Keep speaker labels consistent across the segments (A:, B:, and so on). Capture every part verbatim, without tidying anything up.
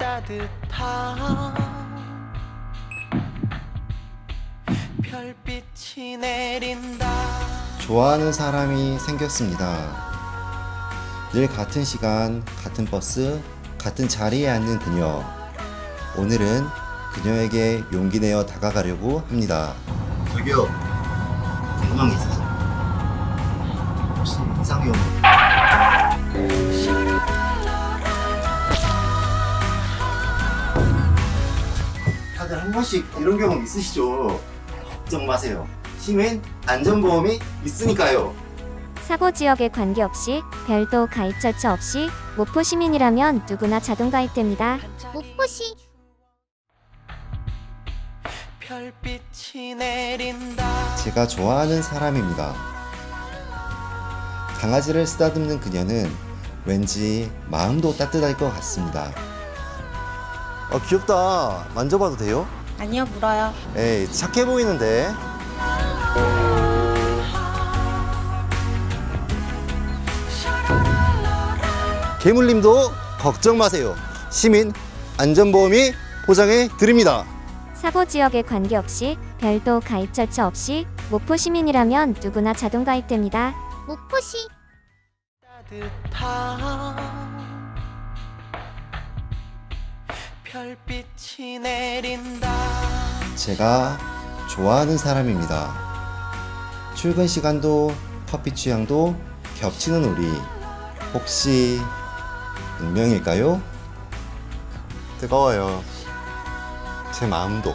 A: 따뜻한 별빛이 내린다.
B: 좋아하는 사람이 생겼습니다. 늘 같은 시간, 같은 버스, 같은 자리에 앉는 그녀. 오늘은 그녀에게 용기 내어 다가가려고 합니다. 저기요, 궁금한 게 있어서. 혹시 이상형? 다들 한 번씩 이런 경험 있으시죠? 걱정 마세요. 시민 안전보험이 있으니까요.
C: 사고 지역에 관계없이 별도 가입 절차 없이 목포 시민이라면 누구나 자동 가입됩니다. 목포시
A: 별빛이 내린다.
B: 제가 좋아하는 사람입니다. 강아지를 쓰다듬는 그녀는 왠지 마음도 따뜻할 것 같습니다. 어, 귀엽다. 만져봐도 돼요?
D: 아니요, 물어요.
B: 에이, 착해 보이는데. 개물님도 걱정 마세요. 시민 안전보험이 보장해 드립니다.
C: 사고 지역에 관계없이 별도 가입 절차 없이 목포 시민이라면 누구나 자동 가입됩니다. 목포시
A: 따뜻한 별빛이 내린다.
B: 제가 좋아하는 사람입니다. 출근 시간도 커피 취향도 겹치는 우리. 혹시 운명일까요? 뜨거워요. 제 마음도.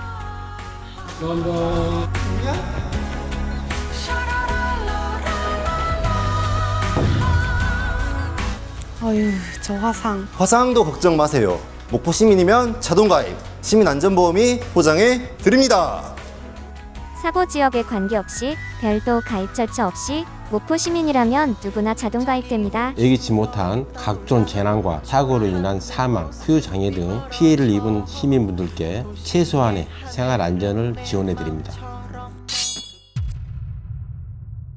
D: 어휴, 저 화상.
B: 화상도 걱정 마세요. 목포 시민이면 자동 가입. 시민 안전보험이 보장해 드립니다.
C: 사고 지역에 관계없이 별도 가입 절차 없이 목포 시민이라면 누구나 자동 가입됩니다.
E: 예기치 못한 각종 재난과 사고로 인한 사망, 후유장애 등 피해를 입은 시민분들께 최소한의 생활 안전을 지원해 드립니다.